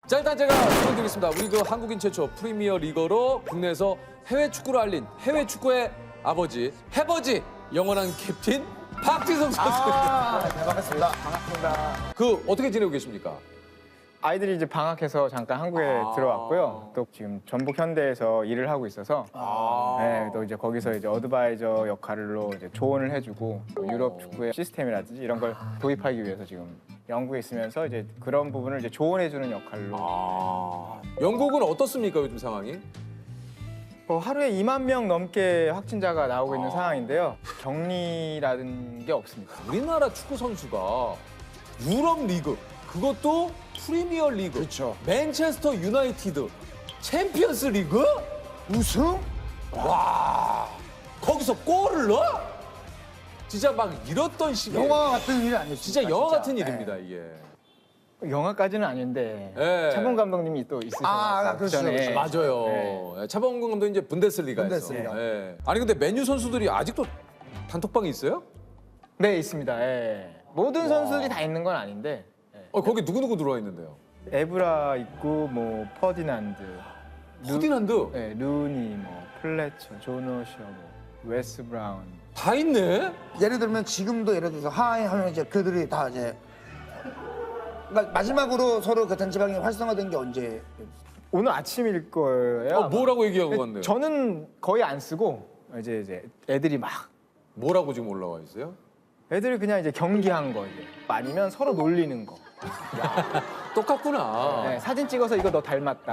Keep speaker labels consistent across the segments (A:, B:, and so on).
A: 자, 일단 제가 설명드리겠습니다. 우리 그 한국인 최초 프리미어 리거로 국내에서 해외 축구를 알린 해외 축구의 아버지, 해버지 영원한 캡틴 박지성 선수.
B: 네, 반갑습니다. 반갑습니다.
A: 그 어떻게 지내고 계십니까?
B: 아이들이 이제 방학해서 잠깐 한국에 들어왔고요. 또 지금 전북 현대에서 일을 하고 있어서 네, 또 이제 거기서 이제 어드바이저 역할로 이제 조언을 해주고 또 유럽 축구의 시스템이라든지 이런 걸 도입하기 위해서 지금 영국에 있으면서 이제 그런 부분을 이제 조언해주는 역할로.
A: 영국은 어떻습니까 요즘 상황이?
B: 하루에 2만 명 넘게 확진자가 나오고 있는 상황인데요. 격리라는 게 없습니다.
A: 우리나라 축구 선수가 유럽 리그, 그것도 프리미어 리그,
C: 그렇죠.
A: 맨체스터 유나이티드, 챔피언스 리그?
C: 우승?
A: 와, 거기서 골을 넣어? 진짜 막 이렇던 시기에
C: 영화 같은 일이 아니었어요.
A: 진짜 영화 같은 일입니다 이게.
B: 영화까지는 아닌데
A: 네.
B: 차범 감독님이 또 있으셔서
C: 그렇죠, 그렇죠.
A: 맞아요.
B: 네.
A: 예, 차범근 감독 이제 분데스리가에서.
C: 분데스리가.
A: 예. 아니 근데 맨유 선수들이 아직도 단톡방이 있어요?
B: 네, 있습니다. 예. 모든 선수들이 다 있는 건 아닌데
A: 거기 누구 들어와 있는데요?
B: 에브라 있고 뭐 퍼디난드,
A: 퍼디난드
B: 네, 루니, 뭐 플래처, 조너셔, 뭐 웨스 브라운.
A: 다 있네.
C: 예를 들면 지금도 예를 들어서 하이 하면 이제 그들이 다 이제 그러니까 마지막으로 서로 그 단체방이 활성화된 게 언제?
B: 오늘 아침일 거예요. 아마.
A: 뭐라고 얘기하고
B: 근데
A: 갔네요?
B: 저는 거의 안 쓰고 이제 애들이 막
A: 뭐라고 지금 올라와 있어요?
B: 애들이 그냥 이제 경기한 거 이제 아니면 서로 놀리는 거.
A: 똑같구나.
B: 네, 사진 찍어서 이거 너 닮았다.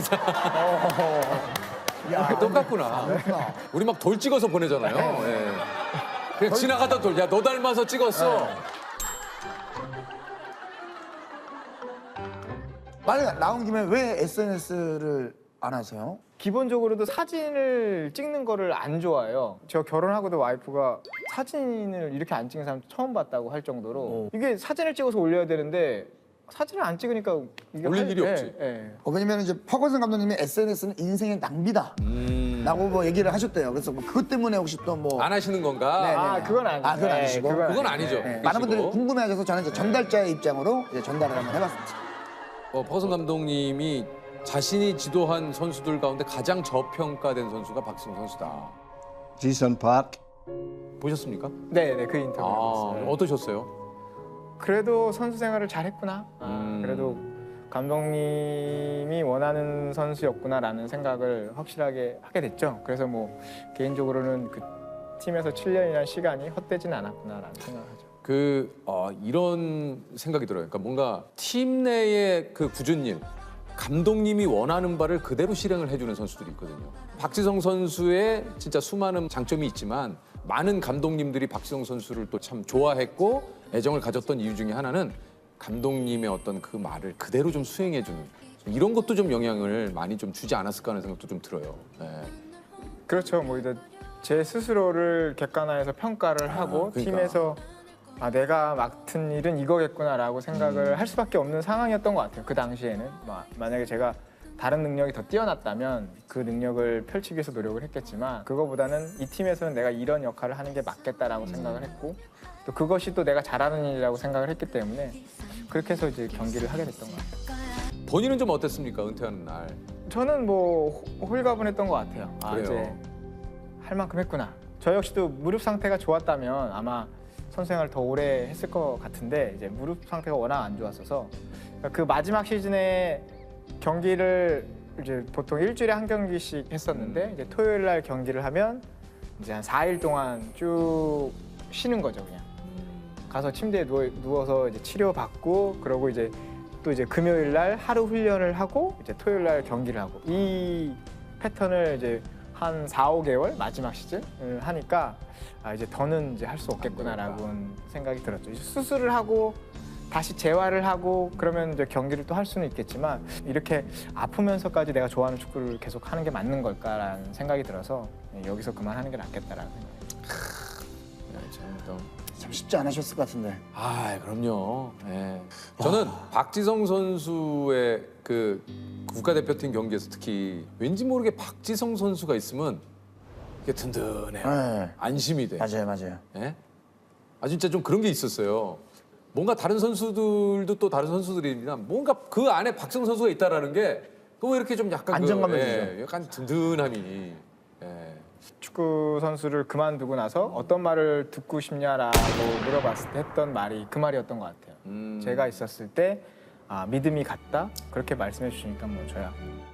A: 똑같구나. 우리 막 돌 찍어서 보내잖아요. 예. 그냥 지나가다 돌. 야, 너 닮아서 찍었어.
C: 만약 나온 김에 왜 SNS를 안 하세요?
B: 기본적으로도 사진을 찍는 거를 안 좋아해요. 저 결혼하고도 와이프가 사진을 이렇게 안 찍는 사람 처음 봤다고 할 정도로 이게 사진을 찍어서 올려야 되는데 사진을 안 찍으니까 이게
A: 올릴 일이 없지.
C: 왜냐면 이제 퍼거슨 감독님이 SNS는 인생의 낭비다. 라고 뭐 얘기를 하셨대요. 그래서 뭐 그것 때문에 혹시 또 뭐
A: 안 하시는 건가?
C: 네,
B: 아, 그건 아니죠.
C: 그건 아니시고.
A: 그건 아니죠.
C: 네, 많은 분들이
A: 그러시고.
C: 궁금해하셔서 저는 이제 전달자의 입장으로 이제 전달을 한번 해봤습니다.
A: 퍼슨 감독님이 자신이 지도한 선수들 가운데 가장 저평가된 선수가 박지성 선수다.
D: Jason Park.
A: 보셨습니까?
B: 네, 그 인터뷰. 봤어요.
A: 어떠셨어요?
B: 그래도 선수 생활을 잘했구나. 그래도 감독님이 원하는 선수였구나라는 생각을 확실하게 하게 됐죠. 그래서 뭐 개인적으로는 그 팀에서 7년이라는 시간이 헛되지는 않았구나라는 생각을 하죠.
A: 이런 생각이 들어요. 그러니까 뭔가 팀 내의 그 굳은 일, 감독님이 원하는 바를 그대로 실행을 해주는 선수들이 있거든요. 박지성 선수의 진짜 수많은 장점이 있지만 많은 감독님들이 박지성 선수를 또 참 좋아했고 애정을 가졌던 이유 중에 하나는 감독님의 어떤 그 말을 그대로 좀 수행해주는 이런 것도 좀 영향을 많이 좀 주지 않았을까 하는 생각도 좀 들어요. 네.
B: 그렇죠. 뭐 이제 제 스스로를 객관화해서 평가를 하고
A: 그러니까.
B: 팀에서 내가 맡은 일은 이거겠구나라고 생각을 할 수밖에 없는 상황이었던 것 같아요. 그 당시에는 만약에 제가 다른 능력이 더 뛰어났다면 그 능력을 펼치기 위해서 노력을 했겠지만 그거보다는 이 팀에서는 내가 이런 역할을 하는 게 맞겠다라고 생각을 했고 또 그것이 또 내가 잘하는 일이라고 생각을 했기 때문에 그렇게 해서 이제 경기를 하게 됐던 것 같아요.
A: 본인은 좀 어땠습니까? 은퇴하는 날.
B: 저는 뭐 홀가분했던 것 같아요.
A: 그래요?
B: 이제 할 만큼 했구나. 저 역시도 무릎 상태가 좋았다면 아마 선수 생활을 더 오래 했을 것 같은데 이제 무릎 상태가 워낙 안 좋았어서 그 마지막 시즌에 경기를 이제 보통 일주일에 한 경기씩 했었는데 이제 토요일 날 경기를 하면 이제 한 4일 동안 쭉 쉬는 거죠 그냥. 가서 침대에 누워서 이제 치료받고 그러고 이제 또 이제 금요일 날 하루 훈련을 하고 이제 토요일 날 경기를 하고 이 패턴을 이제 한 4, 5개월 마지막 시즌을 하니까 이제 더는 이제 할 수 없겠구나라고 생각이 들었죠. 이제 수술을 하고 다시 재활을 하고 그러면 이제 경기를 또 할 수는 있겠지만 이렇게 아프면서까지 내가 좋아하는 축구를 계속 하는 게 맞는 걸까라는 생각이 들어서 여기서 그만하는 게 낫겠다라는 생각이 들어요.
C: 참 쉽지 않으셨을 것 같은데.
A: 그럼요. 예. 저는 박지성 선수의 그 국가대표팀 경기에서 특히 왠지 모르게 박지성 선수가 있으면 이게 든든해요.
C: 네.
A: 안심이 돼.
C: 맞아요.
A: 예? 진짜 좀 그런 게 있었어요. 뭔가 다른 선수들도 또 다른 선수들이나 뭔가 그 안에 박지성 선수가 있다라는 게 또 이렇게 좀 약간
B: 안정감을
A: 예, 약간 든든함이. 예.
B: 축구 선수를 그만두고 나서 어떤 말을 듣고 싶냐라고 물어봤을 때 했던 말이 그 말이었던 것 같아요. 제가 있었을 때 믿음이 갔다 그렇게 말씀해 주시니까 뭐 저야